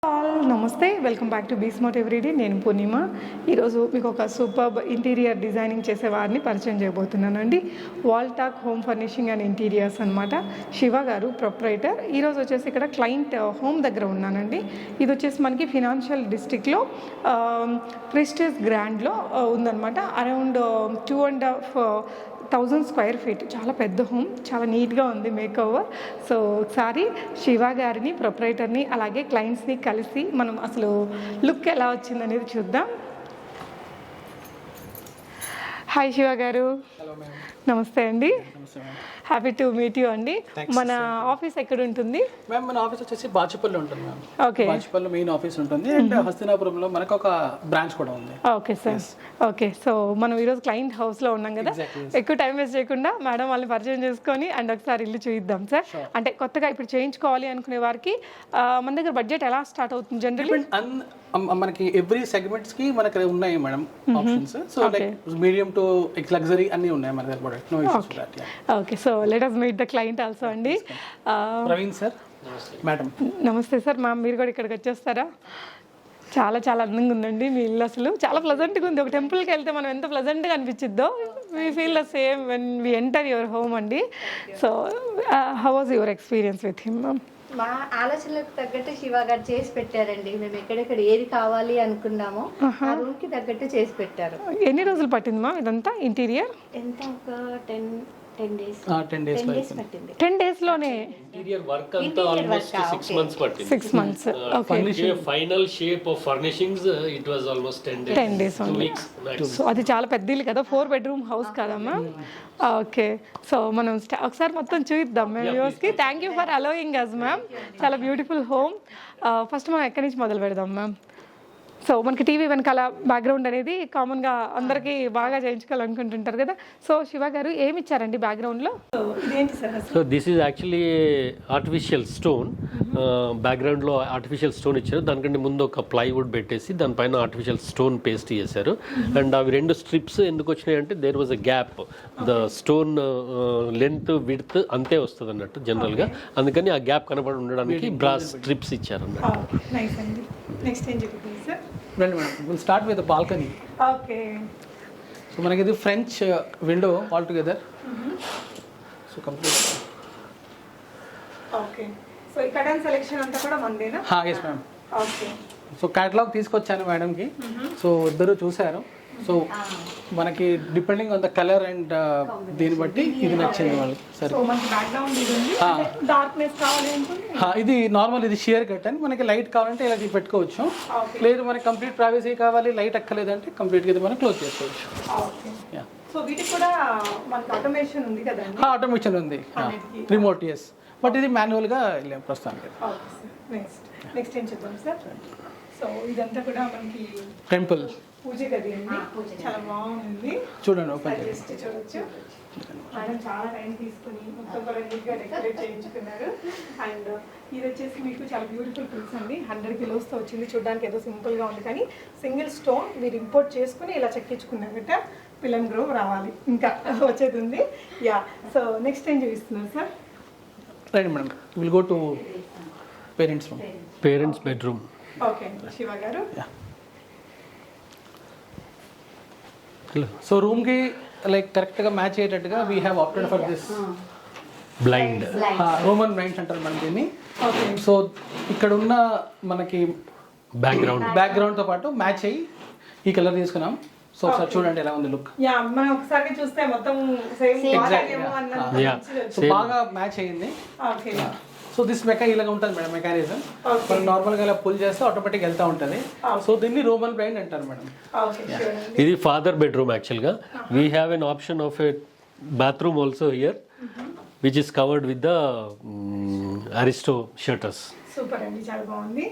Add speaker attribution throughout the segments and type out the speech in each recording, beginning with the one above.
Speaker 1: నమస్తే, welcome back to be smart everyday. నేను పూర్ణిమ. ఈరోజు మీకు ఒక సూపర్బ్ ఇంటీరియర్ డిజైనింగ్ చేసే వారిని పరిచయం చేయబోతున్నానండి. Wall talk home furnishing and interiors అనమాట. శివ గారు ప్రొప్రైటర్. ఈరోజు వచ్చేసి ఇక్కడ క్లయింట్ హోమ్ దగ్గర ఉన్నానండి. ఇది వచ్చేసి మనకి ఫినాన్షియల్ డిస్ట్రిక్ట్లో ప్రెస్టీజ్ గ్రాండ్లో ఉందన్నమాట. Around 2.5,000 square feet. చాలా పెద్ద హోమ్, చాలా నీట్గా ఉంది మేక్ ఓవర్. సో ఒకసారి శివ గారిని, ప్రొప్రైటర్ని, అలాగే క్లయింట్స్ని కలిసి మనం అసలు లుక్ ఎలా వచ్చిందనేది చూద్దాం. హాయ్ శివ గారు. నమస్తే అండి. హ్యాపీ టు మీట్ యూ అండి. మన ఆఫీస్ ఎక్కడ ఉంటుంది?
Speaker 2: మ్యామ్ మన ఆఫీస్ వచ్చేసి బాచుపల్లి ఉంటుంది ma'am.
Speaker 1: Okay,
Speaker 2: Bachupally main office ఉంటుంది అండ్ హస్తినాపురంలో మనకు ఒక బ్రాంచ్ కూడా ఉంది.
Speaker 1: Okay sir. ఓకే, సో మనం ఈరోజు క్లయింట్ హౌస్లో ఉన్నాం కదా, ఎక్కువ టైం వేస్ట్ చేయకుండా మేడం వాళ్ళని పరిచయం చేసుకొని అండ్ ఒకసారి ఇల్లు చూద్దాం సార్. అంటే కొత్తగా ఇప్పుడు చేయించుకోవాలి అనుకునే వారికి మన దగ్గర బడ్జెట్ ఎలా స్టార్ట్ అవుతుంది జనరల్లీ?
Speaker 2: మనకి ఎవ్రీ సెగ్మెంట్స్ కి మనకి ఉన్నాయి madam options. So like medium to luxury అన్ని ఉన్నాయి మన దగ్గర. No issues with that.
Speaker 1: Okay, so let us meet the client also అండి.
Speaker 2: Praveen sir, madam.
Speaker 1: నమస్తే సార్. మ్యామ్ మీరు కూడా ఇక్కడికి వచ్చేస్తారా? చాలా చాలా అందంగా ఉందండి మీ ఇల్లు. అసలు చాలా ప్లజెంట్గా ఉంది. ఒక టెంపుల్కి వెళ్తే మనం ఎంత ప్లజెంట్గా అనిపించిద్దో we feel the same when we enter your home అండి. So how was your experience with him ma'am?
Speaker 3: మా ఆలోచనలకు తగ్గట్టు శివ గారు చేసి పెట్టారండి. మేము ఎక్కడెక్కడ ఏది కావాలి అనుకున్నామో ఆ రూమ్ కి తగ్గట్టు చేసి పెట్టారు.
Speaker 1: ఎన్ని రోజులు పట్టింది మా ఇదంతా ఇంటీరియర్?
Speaker 3: ఎంత ఒక 10 days
Speaker 2: 10 days
Speaker 3: పట్టింది.
Speaker 1: 10 days లోనే
Speaker 4: ఇంటీరియర్ వర్క్ అంతా ఆల్మోస్ట్ 6 months పట్టింది.
Speaker 1: 6 months. Okay,
Speaker 4: final shape of furnishings it was almost 10 days. 2 weeks.
Speaker 1: So అది చాలా పెద్ద ఇల్లు కదా, 4 bedroom హౌస్ కదమ్మా. ఓకే, సో మనం ఒకసారి మొత్తం చూద్దాం మేము వ్యూస్కి. Thank you for allowing us ma'am. చాలా బ్యూటిఫుల్ హోమ్. ఫస్ట్ మనం ఎక్కడి నుంచి మొదలు పెడదాం మ్యామ్? సో మనకి టీవీ వెనకాల బ్యాక్గ్రౌండ్ అనేది కామన్గా అందరికీ బాగా చేయించుకోవాలనుకుంటుంటారు కదా. సో శివ గారు ఏమి ఇచ్చారండి బ్యాక్గ్రౌండ్లో? ఇదేంటి sir?
Speaker 4: So this is actually artificial stone. బ్యాక్గ్రౌండ్లో ఆర్టిఫిషియల్ స్టోన్ ఇచ్చారు. దానికంటే ముందు ఒక ప్లైవుడ్ పెట్టేసి దానిపైన ఆర్టిఫిషియల్ స్టోన్ పేస్ట్ చేశారు. అండ్ అవి 2 స్ట్రిప్స్ ఎందుకు వచ్చినాయి అంటే there was a gap. The stone length width అంతే వస్తుంది అన్నట్టు జనరల్గా. అందుకని ఆ గ్యాప్ కనబడి ఉండడానికి బ్రాస్ స్ట్రిప్స్ ఇచ్చారు అన్నట్టు.
Speaker 1: నైస్ అండి. నెక్స్ట్ ఏం చెప్తుంది సార్?
Speaker 2: రండి madam, will start with balcony.
Speaker 1: Okay,
Speaker 2: so మనకి ఇది French window all together. So complete.
Speaker 1: Okay, so ఈ కటన్ సెలెక్షన్ అంతా కూడా మందేనా?
Speaker 2: Yes ma'am.
Speaker 1: Okay,
Speaker 2: so catalogue తీసుకొచ్చాను మేడంకి. సో ఇద్దరు చూశారు. సో మనకి depending on the colour and దీన్ని బట్టి ఇది నచ్చింది వాళ్ళకి. సరే,
Speaker 1: సో మనకి బ్యాక్గ్రౌండ్ ఇది ఉంది, డార్క్నెస్ కావాలి అనుకుంటే
Speaker 2: ఇది నార్మల్, ఇది షియర్ కట్. మనకి లైట్ కావాలంటే ఇలా పెట్టుకోవచ్చు. లేదు మనకి కంప్లీట్ ప్రైవసీ కావాలి, లైట్ ఎక్కలేదంటే కంప్లీట్గా ఇది మనం క్లోజ్ చేసుకోవచ్చు.
Speaker 1: సో వీటికి కూడా మనకి ఆటోమేషన్ ఉంది కదండి?
Speaker 2: ఆటోమేషన్ ఉంది, రిమోట్. ఎస్, బట్ ఇది మాన్యువల్గా వెళ్ళాం ప్రస్తుతానికి.
Speaker 1: నెక్స్ట్ ఏం చెప్తాం సార్? సో ఇదంతా కూడా మనకి
Speaker 2: టెంపుల్
Speaker 1: పూజ గది అండి. చాలా బాగుంది.
Speaker 2: చూడండి, ఓపెన్
Speaker 1: చేసి చూడొచ్చు. మేడం చాలా టైం తీసుకుని మొత్తం కూడా నీట్గా డెకరేట్ చేయించుకున్నారు. అండ్ ఇది వచ్చేసి మీకు చాలా బ్యూటిఫుల్ పిల్స్ అండి. 100 kilos వచ్చింది. చూడడానికి ఏదో సింపుల్గా ఉంది కానీ సింగిల్ స్టోన్ మీరు ఇంపోర్ట్ చేసుకుని ఇలా చెక్కించుకున్నారట. పిల్లన్ గ్రోవ్ రావాలి ఇంకా వచ్చేది ఉంది. యా, సో నెక్స్ట్ ఏం చూపిస్తున్నారు sir?
Speaker 2: Right madam, will go to parents room.
Speaker 4: Parents bedroom.
Speaker 1: Okay Shiva గారు.
Speaker 2: సో రూమ్ కి లైక్ కరెక్ట్ గా మ్యాచ్ అయ్యేటట్టుగా we have opted for this
Speaker 4: blind.
Speaker 2: Roman blinds అంటారు మనం దీన్ని. సో ఇక్కడ ఉన్న మనకి బ్యాక్గ్రౌండ్ తో పాటు మ్యాచ్ అయ్యి ఈ కలర్ తీసుకున్నాం. సో ఒకసారి చూడండి ఎలా ఉంది లుక్.
Speaker 1: యా, మనం ఒకసారి చూస్తే మొత్తం సేమ్
Speaker 2: సో బాగా మ్యాచ్ అయ్యింది.
Speaker 1: ఓకే,
Speaker 2: సో దిస్ ఇలాగ ఉంటుంది మేడం మెకానిజం. మనం నార్మల్గా ఇలా పుల్ చేస్తే ఆటోమేటిక్ వెళ్తూ ఉంటుంది. సో దీన్ని రోమన్ బ్లైండ్ అంటారు మేడం.
Speaker 4: ఇది ఫాదర్ బెడ్రూమ్ యాక్చువల్గా. We have an option of a bathroom also here which is covered with the Aristo shutters.
Speaker 1: Super అండి, చాలా బాగుంది.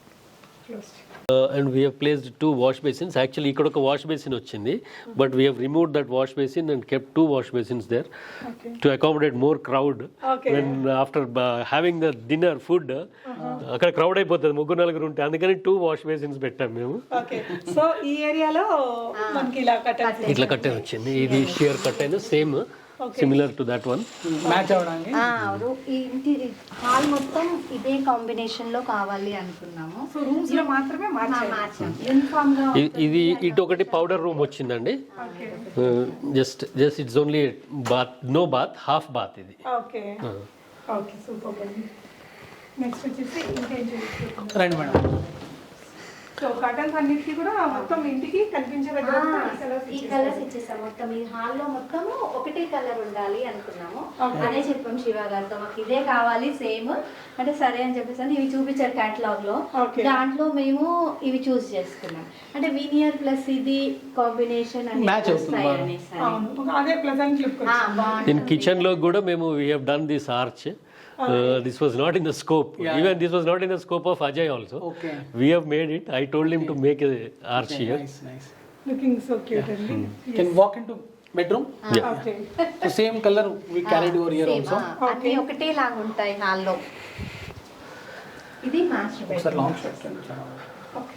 Speaker 4: And we have placed 2 wash basins. Actually ఇక్కడ ఒక వాష్ బేసిన్ వచ్చింది, but we have removed that wash basin and kept 2 wash basins there to accommodate more crowd. When after having the dinner food అక్కడ crowd అయిపోతుంది 3-4 ఉంటే, అందుకని 2 wash basins పెట్టాం మేము.
Speaker 1: Okay, so ఈ ఏరియాలో మనకి ఇలా కట్టెన్
Speaker 4: ఇట్లా కట్టెన్ వచ్చింది. ఇది sheer curtain same similar to that one.
Speaker 2: Match అవ్వడానికి
Speaker 3: ఈ ఇంటి హాల్ మొత్తం ఇదే కాంబినేషన్ లో కావాలి అనుకున్నాము.
Speaker 1: సో రూమ్స్ లో మాత్రమే
Speaker 3: మార్చాం యూనిఫామ్ గా.
Speaker 4: ఇది ఇటు ఒకటి పౌడర్ రూమ్ వచ్చిందండి. Just it's only bath, no bath, half bath ఇది.
Speaker 1: ఓకే ఓకే సూపర్ అండి. నెక్స్ట్ వచ్చేసి ఇంకేం చూపిస్తున్నాం.
Speaker 2: రండి మేడం.
Speaker 1: సో కర్టన్స్ అన్నిటికీ కూడా మొత్తం ఇంటికి కనిపించే దగ్గర
Speaker 3: ఈ కలర్స్ ఇచ్చేసాం. మొత్తం ఈ హాల్ లో మొత్తము ఒకటే కలర్ ఉండాలి అనుకున్నాము. అదే చెప్పాం శివ గారితో, మాకు ఇదే కావాలి సేమ్ అంటే సరే అని చెప్పేసి ఇవి చూపించారు క్యాటలాగ్ లో. దాంట్లో మేము ఇవి చూస్ చేసుకున్నాం. అంటే వీనియర్ ప్లస్ ఇది కాంబినేషన్
Speaker 2: మ్యాచ్ అవుతుంది.
Speaker 1: అదే ప్లెజెంట్ లుక్.
Speaker 4: ఇన్ కిచెన్ లో కూడా మేము we have done this arch. This was not in the scope. Even this was not in the scope of Ajay also.
Speaker 2: Okay.
Speaker 4: We have made it. I told him to make a arch here.
Speaker 2: Nice.
Speaker 1: Looking so cute అండి.
Speaker 2: Can walk into bedroom?
Speaker 1: Okay
Speaker 2: So same color we carried over here also.
Speaker 3: అన్ని ఒకటే లాగా ఉంటాయి hall లో. ఇది master
Speaker 2: Sir,
Speaker 3: bedroom.
Speaker 2: long shot.
Speaker 1: Okay.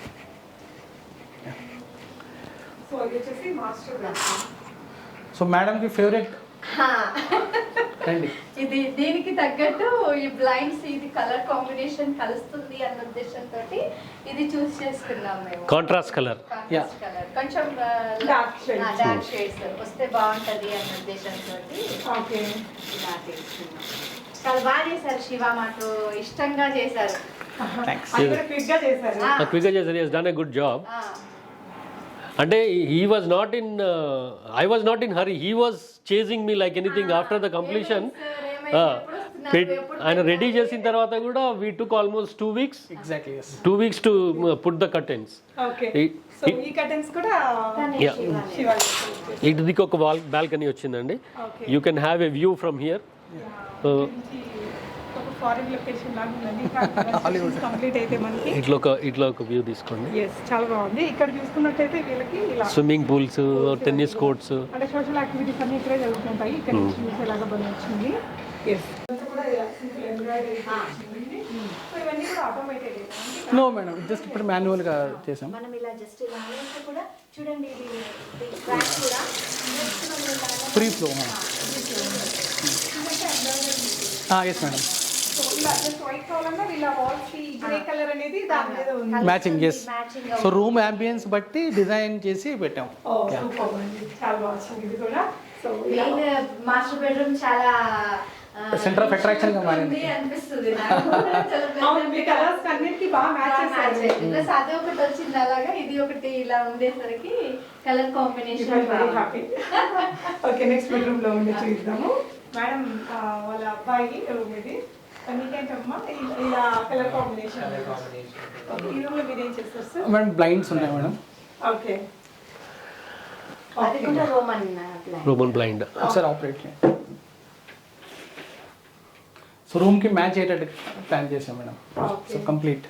Speaker 1: So ఇది వచ్చేసి master bedroom.
Speaker 2: So madam ki favorite. రండి.
Speaker 3: ఇది దీనికి తగ్గట్టు ఈ బ్లైండ్స్ ఇది కలర్ కాంబినేషన్ కలుస్తుంది అన్న ఉద్దేశంతో ఇది చూస్ చేసుకున్నాం మేము.
Speaker 4: Contrast color.
Speaker 3: కాంట్రాస్ట్ కలర్ కొంచెం డార్క్ షేడ్స్ వస్తే బాగుంటది అన్న ఉద్దేశంతో
Speaker 1: ఓకే
Speaker 3: ఇలా తీసుకున్నాం. చాలా బాగా చేశారు శివ, మాకు ఇష్టంగా చేశారు.
Speaker 2: Thanks.
Speaker 1: అది కూడా క్విక్ గా చేశారు.
Speaker 4: Quicker Jason has done a good job. అంటే he was not in I was not in hurry. He was chasing me like anything after the completion. ఆయన రెడీ చేసిన తర్వాత కూడా we took almost 2 weeks.
Speaker 2: Exactly, yes.
Speaker 4: 2 weeks to put the curtains.
Speaker 1: Okay so ఈ curtains కూడా
Speaker 4: Yeah.
Speaker 1: Shiva.
Speaker 4: ఇటుదికి ఒక balcony వచ్చిందండి.
Speaker 1: Okay
Speaker 4: You can have a view from here.
Speaker 1: ఒక ఫారిన్ లొకేషన్ లాగా ఉందండి. కంప్లీట్ అయితే మనకి
Speaker 4: ఇట్లా ఒక వ్యూ తీసుకోండి.
Speaker 1: ఎస్ చాలా బాగుంది. ఇక్కడ చూసుకున్నట్టయితే వీళ్ళకి ఇలా
Speaker 4: స్విమ్మింగ్ పూల్స్, టెన్నిస్ కోర్ట్స్.
Speaker 1: అంటే సోషల్ యాక్టివిటీస్ అన్ని ఇక్కడే జరుగుతుంటాయి. ఇక్కడ నుంచి చూసేలాగా బంద్ వచ్చింది. ఎస్ కూడా ఇలా సింపుల్ ఎంబ్రాయిడరీ వచ్చింది. సో ఇవన్నీ కూడా ఆటోమేటెడ్.
Speaker 2: No madam, just ఇప్పుడు మాన్యువల్ గా చేసాం.
Speaker 3: మనం ఇలా జస్ట్ ఇలా అనేసి కూడా చూడండి ఇది ట్రాక్ కూడా just మనం ఇలా
Speaker 2: free flow. Yes madam.
Speaker 1: So ఇలా జస్ట్ వైట్ కావాలన్నా వీళ్ళ వాల్స్ కి గ్రే కలర్ అనేది దాని మీద ఉంది.
Speaker 2: Matching, yes. So room ambience బట్టి డిజైన్ చేసి పెట్టాం.
Speaker 1: ఓ సూపర్ అండి. చాలా బాగుంది ఇది కూడా. సో
Speaker 3: మెయిన్ మాస్టర్ బెడ్రూమ్ చాలా
Speaker 2: సెంటర్ ఆఫ్ అట్రాక్షన్ గా మారింది
Speaker 3: అనిపిస్తుంది నాకు.
Speaker 1: అవును, మీ కలర్స్ అన్నిటికీ బాగా మ్యాచ్ చేశారు.
Speaker 3: ప్లస్ అదే ఒకటి వచ్చింది అలాగా, ఇది ఒకటి ఇలా ఉండేసరికి colour combination
Speaker 1: very happy. Okay next bedroom లో ఉండి చూద్దాము. మేడం వాళ్ళ అబ్బాయి రూమ్ ఇది. మీకేంటమ్మా ఇలా కలర్ కాంబినేషన్? ఈ రూమ్ లో మీరు ఏం చేస్తారు సార్?
Speaker 2: మేడం బ్లైండ్స్ ఉన్నాయి మేడం.
Speaker 1: ఓకే
Speaker 3: అది కూడా
Speaker 4: రోమన్ బ్లైండ్.
Speaker 2: ఒకసారి ఆపరేట్ చేయండి. సో రూమ్ కి మ్యాచ్ అయ్యేటట్టు ప్లాన్ చేసాం మేడం. So complete.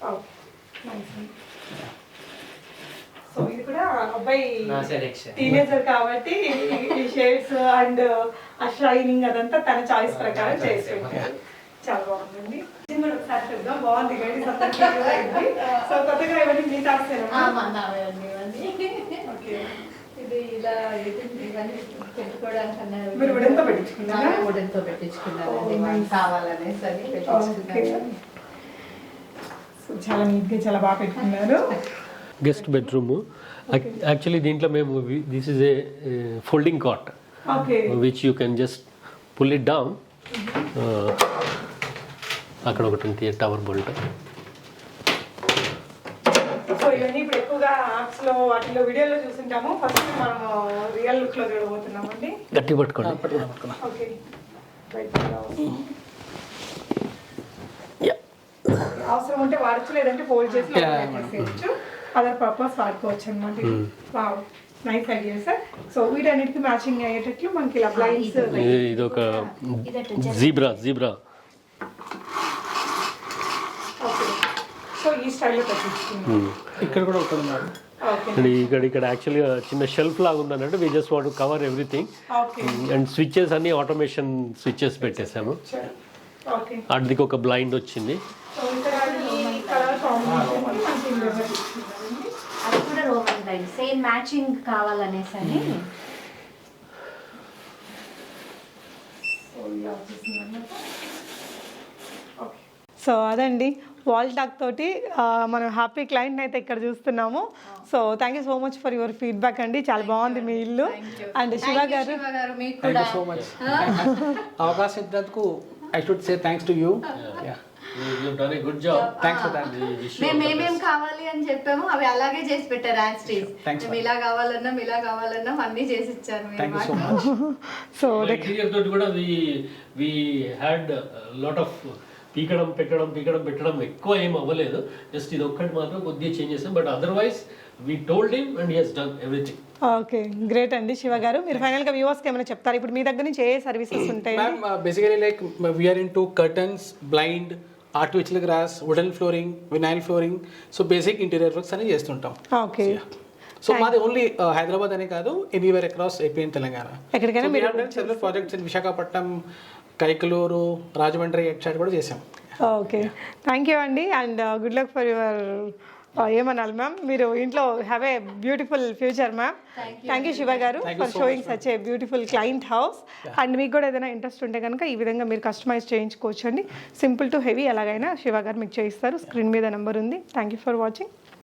Speaker 1: సో ఇది కూడా అబ్బాయి టీనేజర్ కాబట్టి ఈ షేడ్స్ అండ్ ఆ షైనింగ్ అదంతా తన చాయిస్ ప్రకారం చేసుకుంటారు. చాలా బాగుందండి. ఇది కూడా ఒకసారి చూద్దాం. బాగుంది గైడెన్స్ అంతా clear అయింది. సో కొత్తగా ఇవన్నీ మీ తాసేనా? ఓకే
Speaker 3: ఇది ఇలా ఇవన్నీ పెట్టుకోవడానికి అన్నారు.
Speaker 1: మీరు వుడెన్తో పెట్టించుకున్నారా?
Speaker 3: వుడెన్తో పెట్టించుకున్నారండి, మనకి కావాలనేసి అని పెట్టించుకున్నాను.
Speaker 1: సో చాలా నీట్గా చాలా బాగా పెట్టుకున్నారు.
Speaker 4: Guest bedroom. యాక్చువల్లీ దీంట్లో మేము this is a folding cot
Speaker 1: okay
Speaker 4: which you can just pull it down. అక్కడ ఒకటి ఉంది టవర్ బోల్ట్.
Speaker 1: సో ఇవన్నీ ఇప్పుడు ఎక్కువగా యాప్స్ లో వాటిలో వీడియోలో చూస్తుంటాము. ఫస్ట్ మనం రియల్ లుక్ లో చూడబోతున్నామండి.
Speaker 4: గట్టి పట్టుకోండి.
Speaker 1: ఓకే అవసరం ఉంటే వాడచ్చు, లేదంటే ఫోల్డ్ చేసి చేసుకోవచ్చు. అదర్ పర్పస్ వాడుకోవచ్చు అనమాట. Wow nice idea sir. So వీటన్నిటికి మ్యాచింగ్ అయ్యేటట్లు మనకి ఇలా బ్లైండ్స్.
Speaker 4: ఇది ఒక జీబ్రా.
Speaker 1: ఓకే సో ఈ స్టైల్లో పెట్టించుకున్నాం.
Speaker 2: ఇక్కడ కూడా ఒకటి ఉన్నారు.
Speaker 1: ఓకే
Speaker 4: ఇక్కడ యాక్చువల్గా చిన్న షెల్ఫ్ లాగా ఉందన్నట్టు we just want to cover everything.
Speaker 1: Okay
Speaker 4: and switches అన్ని ఆటోమేషన్ స్విచ్చెస్ పెట్టేసాము.
Speaker 1: ఓకే
Speaker 4: అటుదికి ఒక బ్లైండ్ వచ్చింది.
Speaker 1: సో ఇక్కడ ఈ కలర్ కాంబినేషన్ మనకి ఇందులో పెట్టించుకున్నామండి.
Speaker 3: అది కూడా రోమన్ బ్లైండ్ సేమ్ మ్యాచింగ్ కావాలనేసి అని.
Speaker 1: సో అదండి వాల్ టాక్ తోటి మనం హ్యాపీ క్లయింట్ అయితే ఇక్కడ చూస్తున్నాము. So thank you so much for your feedback అండి, చాలా బాగుంది మీ ఇల్లు. అండ్ శివ గారు
Speaker 3: మీకు
Speaker 2: థ్యాంక్
Speaker 3: కూడా
Speaker 2: యూ సో మచ్. అవకాశం ఇచ్చినందుకు I should say thanks to you.
Speaker 4: You've done a good job.
Speaker 2: Thanks for that.
Speaker 3: మేము ఏమేం కావాలి అని చెప్పాము అవి అలాగే చేసి పెట్టారు యాజ్ టీజ్.
Speaker 2: Thanks,
Speaker 3: మేము ఇలా కావాలన్నా అన్నీ చేసి ఇచ్చారు మీరు
Speaker 2: థ్యాంక్ యూ సో
Speaker 3: మాకు.
Speaker 2: మచ్.
Speaker 1: సో
Speaker 4: ఇంటీరియర్ తోటి కూడా వి హ్యాడ్ లాట్ ఆఫ్ పీకడం పెట్టడం ఎక్కువ ఏం అవ్వలేదు. జస్ట్ ఇది ఒక్కటి మాత్రం కొద్దిగా చేంజ్ చేసాం. But otherwise we told him and he has done everything.
Speaker 1: Okay, great అండి శివ గారు. మీరు ఫైనల్గా వ్యూవర్స్కి ఏమైనా చెప్తారు? ఇప్పుడు మీ దగ్గర నుంచి ఏ సర్వీసెస్ ఉంటాయి?
Speaker 2: Ma'am, basically like we are into curtains, blind, artificial grass, wooden flooring, vinyl flooring. So basic interior works అని చేస్తుంటాం.
Speaker 1: ఓకే,
Speaker 2: సో మాది ఓన్లీ హైదరాబాద్ అనే కాదు, anywhere across AP and Telangana.
Speaker 1: ఎక్కడికైనా మీరు
Speaker 2: several projects in Visakhapatnam, Kaikaluru, Rajahmundry at side కూడా చేసాం.
Speaker 1: ఓకే, థ్యాంక్ యూ అండి. And good luck for your ఏమనాలి మ్యామ్, మీరు ఇంట్లో have a beautiful future ma'am. Thank you Shiva garu for showing such a beautiful client house. And మీకు కూడా ఏదైనా ఇంట్రెస్ట్ ఉంటే కనుక ఈ విధంగా మీరు కస్టమైజ్ చేయించుకోవచ్చు అండి. సింపుల్ టు హెవీ ఎలాగైనా శివ గారు మీకు చేయిస్తారు. స్క్రీన్ మీద నెంబర్ ఉంది. Thank you for watching.